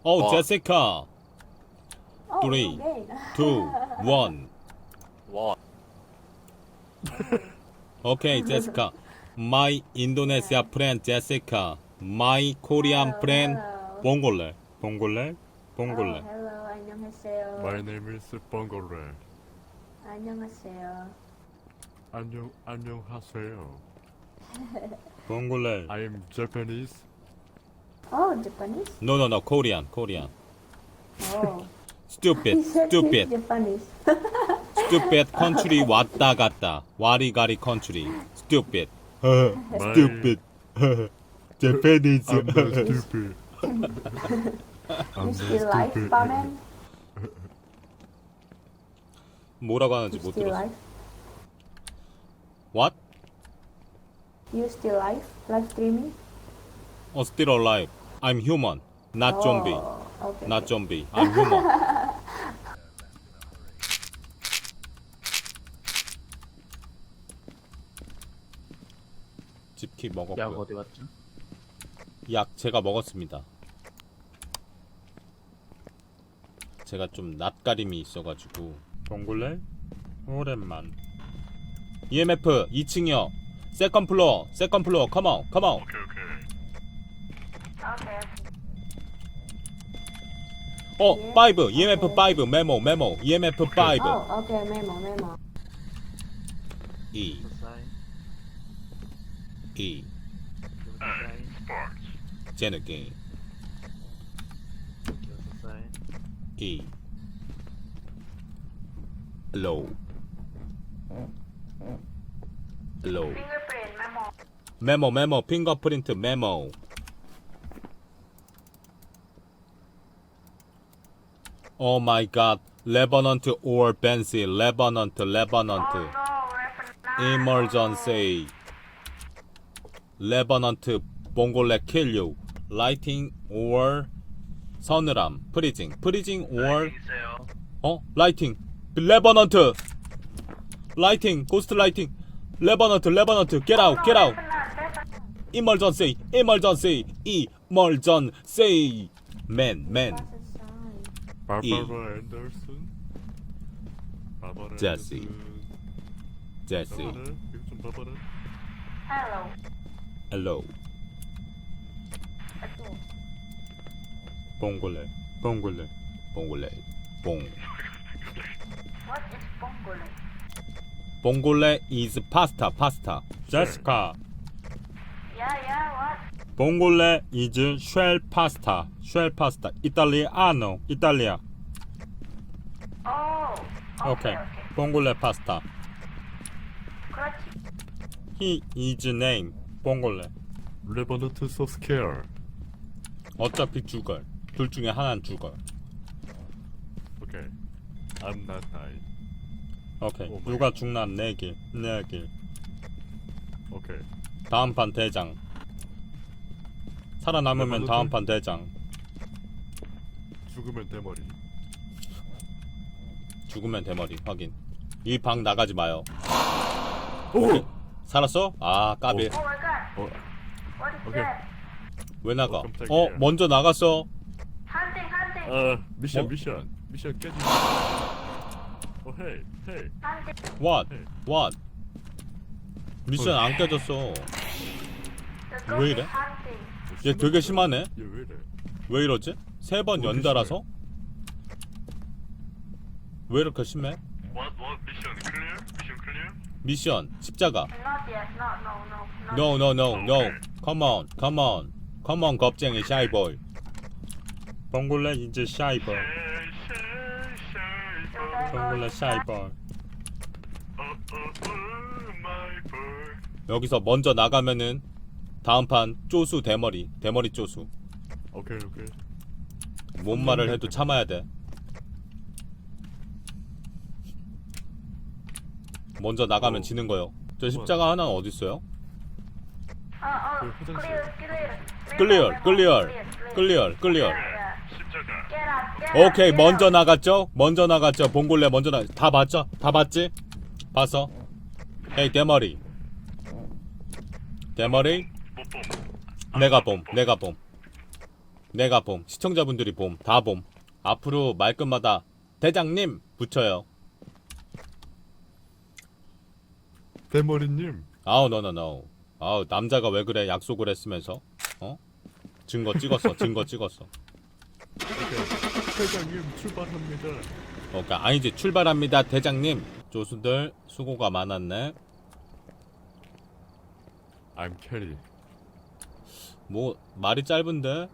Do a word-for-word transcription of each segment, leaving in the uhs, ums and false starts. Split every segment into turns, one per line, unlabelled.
Oh,
와.
Jessica.
Oh,
Three,
okay.
two, one.
와.
Okay, Jessica. My Indonesia friend Jessica. My Korean
Hello,
friend
hello.
봉골레. 봉골레.
Oh,
봉골레.
hello. 안녕하세요.
My name is Bongole.
안녕하세요.
안녕 안녕하세요.
봉골레.
I am Japanese.
Oh, Japanese?
No, no, no. Korean. Korean.
Oh.
Stupid.
He said
Stupid.
he's Japanese.
Stupid country 왔다 갔다. 와리가리 country. Stupid.
My-
Stupid. Japanese.
I'm not stupid. I'm
You
not
still live,
stupid.
Barman?
뭐라고 하는지
You
못
still
들었어.
live?
What?
You still live? Live streaming?
Oh, still alive. I'm human. Not zombie.
Oh, okay.
Not
okay.
zombie. I'm human. 집키
약
먹었고요.
어디 갔죠?
약 제가 먹었습니다. 제가 좀 낯가림이 있어가지고. 봉골레? 오랜만. 이엠에프 이 층이요. 세컨 플로어. 세컨 플로어. 컴온. 컴온.
Okay, okay.
어, 오. 이엠에프 오. 메모 메모. 이엠에프 오.
Oh, okay. Memo, memo.
E.
사이.
E.
사이.
제는 게임.
사이.
E. Low. Low.
Fingerprint, memo.
메모 메모 핑거프린트 메모. Oh my god. 레버넌트 or 벤시. 레버넌트 레버넌트. Emergency. 레버넌트 봉골레 kill you. Lighting or 서늘함. 프리징. 프리징 or 어? 라이팅. 레버넌트. 라이팅. 고스트 라이팅. 레버넌트 레버넌트 get out get out. Emergency. Emergency. Emergency. Man man.
Barbara Anderson. Barbara
Jesse.
Anderson.
Jesse.
바바라? 이거 좀 바바라.
Hello.
Hello. 봉골레. 봉골레. 봉골레. 봉.
What is Bongole?
봉골레 is pasta pasta. Jessica.
Yeah, yeah, what?
봉골레 is shell pasta. shell pasta. Italiano. Italia.
Oh.
Okay.
Okay, okay.
봉골레 pasta.
그렇지.
He is name. 봉골레.
Revenant so scared.
어차피 죽을. 둘 중에 하나는 죽을.
Okay. I'm not dying.
오케이.
오 마이
누가 죽나 내길. 내길.
Okay.
다음 판 대장. 살아남으면
레버넌트?
다음 판 대장.
죽으면 대머리.
죽으면 대머리. 확인. 이 방 나가지 마요.
오!
살았어? 아 까비.
Oh my god.
어,
What is
Okay.
that?
왜 나가?
어, 깜짝이야.
어 먼저 나갔어.
Hunting, hunting.
아, 미션
어?
미션. 미션 깨지. 어, 헤이, 헤이.
hunting.
What?
네.
What? 미션
어.
안 깨졌어.
The
왜
ghost
이래?
is hunting.
얘 되게 심하네.
얘 왜 이래?
왜 이러지? 세 번
뭐
연달아서? 왜 이렇게 심해?
What what mission clear? Mission clear?
미션 십자가.
Not yet. No, no, no. Not
No no no no.
오케이.
Come on come on. Come on 겁쟁이 샤이보이. 봉골레 이제 샤이보이. 봉골레 샤이보이. 여기서 먼저 나가면은 다음 판 쪼수 대머리. 대머리 쪼수.
오케이 오케이.
뭔 말을 해도 참아야 돼. 먼저 나가면
어.
지는 거요. 저 십자가 하나는 어디 있어요?
Oh, oh.
그 화장실.
Clear, clear.
클리어, 클리어,
Memo, memo, clear, clear.
클리어, 클리어.
Yeah. Get out, get out.
오케이
get
먼저
out.
나갔죠? 먼저 나갔죠? 봉골레 먼저 나. 다 봤죠? 다 봤지? 봤어? 헤이 대머리. 대머리. 내가 봄, 내가 봄. 내가 봄, 시청자분들이 봄, 다 봄. 앞으로 말끝마다 대장님 붙여요.
대머리님.
아우 노노노. 아우 남자가 왜 그래? 약속을 했으면서. 어? 증거 찍었어. 증거 찍었어.
대장님 출발합니다.
어, 그러니까 아니지 출발합니다 대장님. 조수들 수고가 많았네.
I'm 캐리.
뭐 말이 짧은데?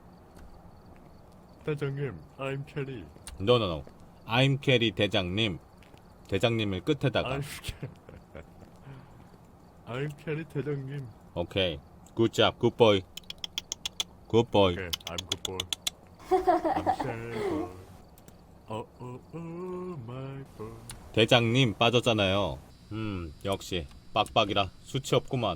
대장님, I'm 캐리.
노노노. I'm 캐리 대장님. 대장님을 끝에다가.
I'm 캐리. I'm 캐리 대장님.
오케이. 굿잡 굿보이. 굿보이.
오케이, I'm good boy. I'm shy boy. Oh oh oh my boy.
대장님 빠졌잖아요. 음 역시 빡빡이라 수치 없구만.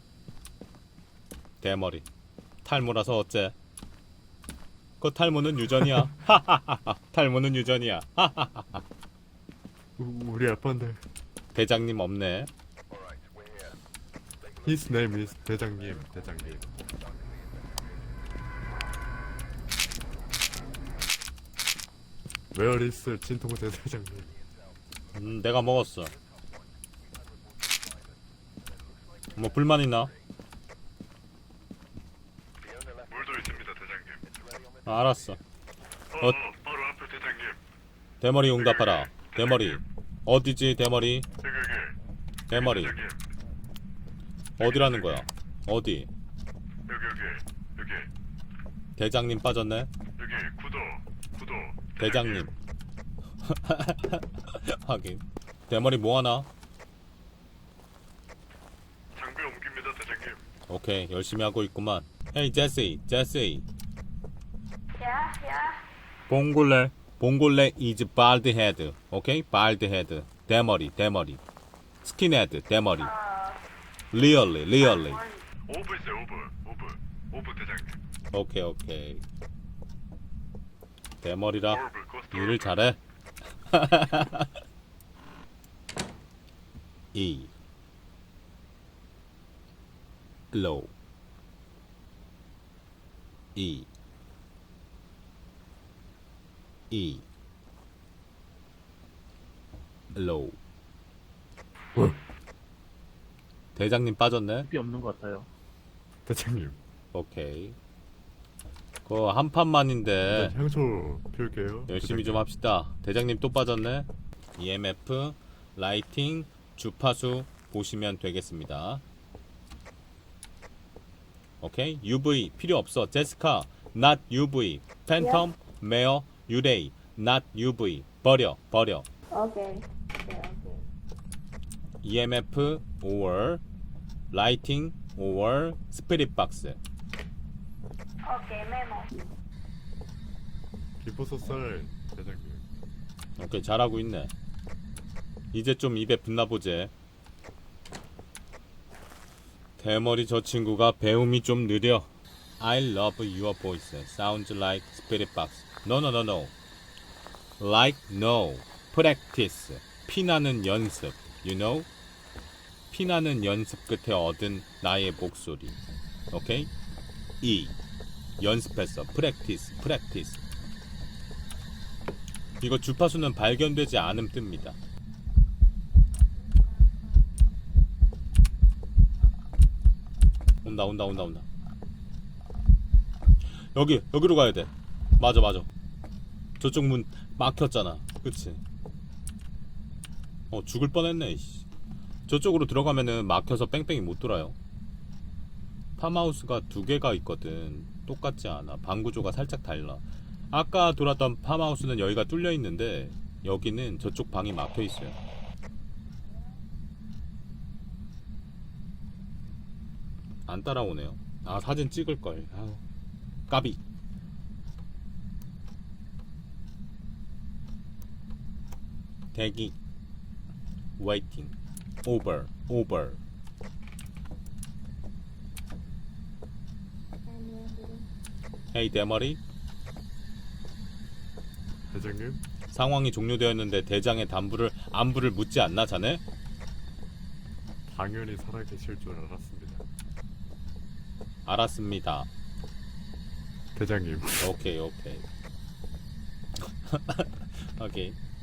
대머리 탈모라서 어째? 그 탈모는 유전이야. 하하하하. 탈모는 유전이야. 하하하하.
우, 우리 아빠인데.
대장님 없네.
His name is 대장님. 대장님. Where is 진통호 대장님?
음 내가 먹었어. 뭐 불만 있나?
물도 있습니다, 대장님.
아, 알았어.
어,
어.
바로 앞에 대장님.
대머리 응답하라. 대머리 어디지 대머리?
여기 여기.
대머리
대장님.
어디라는 거야? 어디?
여기 여기 여기
대장님 빠졌네.
여기 구도 구도.
대장님. 하긴. 대머리 뭐 하나?
장비 옮깁니다, 대장님.
오케이 열심히 하고 있구만. 헤이 제시 제시.
Yeah, yeah.
봉골레 봉골레 is bald head. 오케이 bald head. 대머리 대머리. 스킨헤드 대머리. Really really.
오브 있어요, 오브 오브 오브 대장님.
오케이 오케이. 대머리라
오브 코스트.
일을 잘해. E low E E low. 대장님 빠졌네.
비 없는 것 같아요.
대장님.
오케이. 그거 한 판만인데
일단 향초 피울게요.
열심히 좀
대장님.
합시다. 대장님 또 빠졌네. 이엠에프, 라이팅, 주파수 보시면 되겠습니다. 오케이. 유브이 필요 없어. 제스카, not 유브이. 팬텀, 메어, 유레이, not 유브이. 버려, 버려.
Okay. Okay, okay.
이엠에프, or, 라이팅, or, 스피릿 박스.
Okay, memo.
기포소살 대장님.
오케이 잘하고 있네. 이제 좀 입에 붙나보제. 대머리 저 친구가 배움이 좀 느려. I love your voice. Sounds like spirit box. No no no no. Like no. Practice. 피나는 연습. You know? 피나는 연습 끝에 얻은 나의 목소리. 오케이? E. 연습했어. Practice. Practice. 이거 주파수는 발견되지 않음 뜹니다. 온다 온다 온다 온다. 여기 여기로 가야 돼. 맞아 맞아. 저쪽 문 막혔잖아. 그치? 어 죽을 뻔했네. 이씨. 저쪽으로 들어가면은 막혀서 뺑뺑이 못 돌아요. 팜하우스가 두 개가 있거든. 똑같지 않아. 방 구조가 살짝 달라. 아까 돌았던 팜하우스는 여기가 뚫려 있는데 여기는 저쪽 방이 막혀 있어요. 안 따라오네요. 아 사진 찍을 걸. 아우, 까비. 대기. waiting. over. over. 헤이 대머리.
대장님.
상황이 종료되었는데 대장의 담부를 안부를 묻지 않나 자네?
당연히 살아계실 줄 알았습니다.
알았습니다.
대장님.
오케이 오케이. 오케이.